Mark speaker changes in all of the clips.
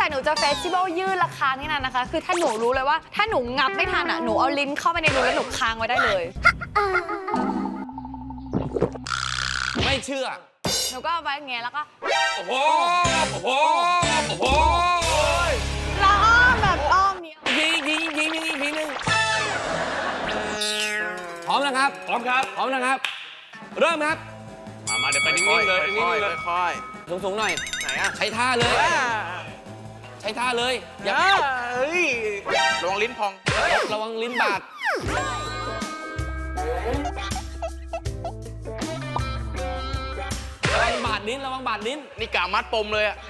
Speaker 1: หนูจะเฟสติวัลยืดราคาที่นั่นนะคะคือถ้าหนูรู้เลยว่าถ้าหนูงับไม่ทันอ่ะหนูเอาลิ้นเข้าไปในรูแล้วหนูค้างไว้ได้เลย
Speaker 2: ไม่เชื่อ
Speaker 1: หนูก็เอาไว้อย่างเงี้ยแล้วก็
Speaker 2: โอ้โหโอ้โหโอ้โห
Speaker 1: แล้วอ้อมแบบอ้อมเนี้ย
Speaker 2: ยิงอีกทีนึงพร้อมนะครับ
Speaker 3: พร้อมครับ
Speaker 2: พร้อมนะครับ เริ่มครับ
Speaker 3: มาเดี๋ยวไปนิ่งๆเลยนิ่งๆเลย
Speaker 4: ค่อย
Speaker 2: สูงๆหน่อย
Speaker 4: ๆไหนอ่ะ
Speaker 2: ใช้ท่าเลย ใช้ท่าเลยอย่า
Speaker 4: เฮ้ยระวังลิ้นพอง
Speaker 2: ระวังลิ้นบาดระวังบาดลิ้นระวังบาดลิ้น
Speaker 4: นี่กะมัดปมเลยอ่ะ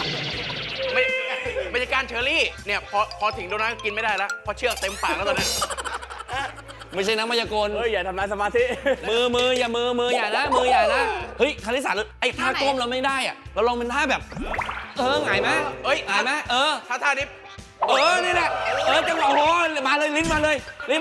Speaker 4: ไม่ใช่การเชอรี่เนี่ยพอถึงโดนัทก็กินไม่ได้แล้วเพราะเชือกเต็มปากแล้วตอนนี้
Speaker 2: ไม่ใช่นักมายากล
Speaker 3: เฮ้ยอย่าทำลายสมาธิ
Speaker 2: มืออย่าอย่านะเฮ้ยคาริสาไอ้ท่าก้มเราไม่ได้อะเราลองเป็นท่าแบบหงายไหม
Speaker 4: เอ้ย
Speaker 2: หงายไหม
Speaker 4: ท่านี้
Speaker 2: นี่แหละจังหวะโอ้โหมาเลยลิ้นมาเลย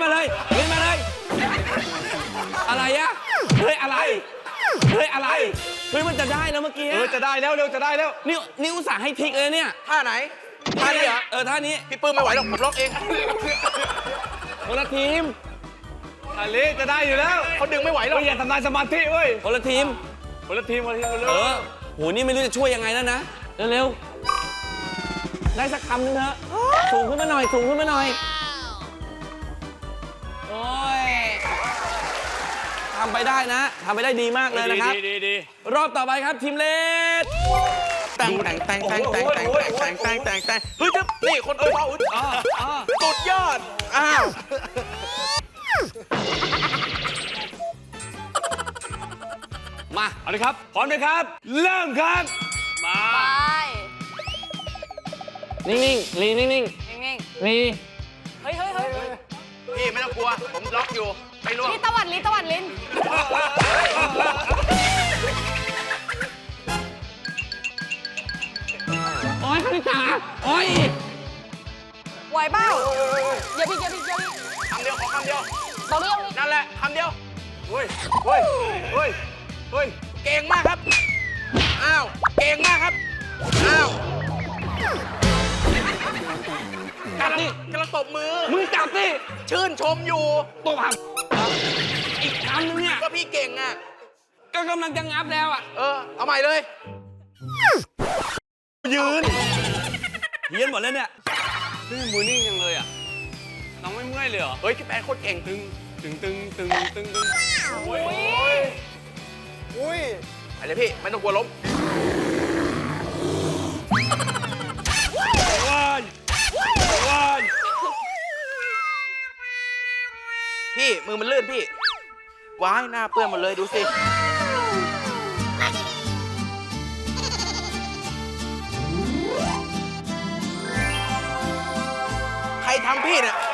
Speaker 2: อะไรอะเฮ้ยอะไรเฮ้ยมันจะได้แล้วเมื่อกี้
Speaker 3: จะได้แล้วเร็วจะได้แล้ว
Speaker 2: นี่อุตส่าห์ให้พลิกเลยเนี่ย
Speaker 4: ท่าไหนท่านี้เหรอ
Speaker 2: ท่านี้
Speaker 4: พี่ปื้มไม่ไหวหรอกผมล็อกเอง
Speaker 2: คนละทีม
Speaker 3: อันนี้จะได้อยู่แล้ว
Speaker 4: เขาดึงไม่ไหวหรอก
Speaker 3: อย่าทำลายสมาธิเว้ย
Speaker 2: คนละทีม
Speaker 3: คนละทีมเร็ว
Speaker 2: โหนี่ไม่รู้จะช่วยยังไงแล้วนะเร็วๆได้สักคำนึงเถอะสูงขึ้นมาหน่อยโอ้ยทำไปได้นะทำไปได้ดีมากเลยนะครับ
Speaker 3: ดี
Speaker 2: รอบต่อไปครับทีมเลด
Speaker 4: แต่งเฮ้ยจึ๊บนี่คนเฝ้าสุดยอดอ้าว
Speaker 2: มา
Speaker 3: เอาเลยครับพร้อมไหมครับ เริ่มครับ มา
Speaker 1: ไป
Speaker 2: นิ่งๆลีนิ่ง
Speaker 1: นิ่ง
Speaker 2: ๆลี
Speaker 1: ๆเฮ้ย
Speaker 4: พี่ไม่ต้องกลัวผมล็อกอยู่ไม่ร่วง
Speaker 1: นี่ตะวัดลิ้น
Speaker 2: โอ้ยคณิตาโอ้ย
Speaker 1: ไหวเปล่าอย่าพี่
Speaker 4: คำเดียวขอคำเดียว
Speaker 1: บอกเรื่องนี้
Speaker 4: นั่นแหละคำเดียว
Speaker 3: เฮ้ย
Speaker 4: เก่งมากครับอ้าวเก่งมากครับอ้าว
Speaker 2: กัดดิ
Speaker 4: กระตบมือ
Speaker 2: มึงจับดิ
Speaker 4: ชื่นชมอยู่
Speaker 2: ตบหักอีกคำนึงเนี่ย
Speaker 4: ก็พี่เก่งอ่ะ
Speaker 2: ก็กำลังจะงับแล้วอ่ะ
Speaker 4: เอาใหม่เลย
Speaker 3: ยืน
Speaker 2: เยียนหมดแล้วเนี่ย
Speaker 3: มือนิ่งยังเลยอ่ะ น้องไม่เมื่อยเลยเหรอ
Speaker 4: เฮ้ยพี่แปนโคตรเก่ง
Speaker 3: ตึงโอ้ย
Speaker 4: อะไรพี่ไม่ต้องกลัวล้ม
Speaker 3: ว้าย
Speaker 4: พี่มือมันลื่นพี่ว้ายหน้าเปื้อนหมดเลยดูสิใครทำพี่เนี่ย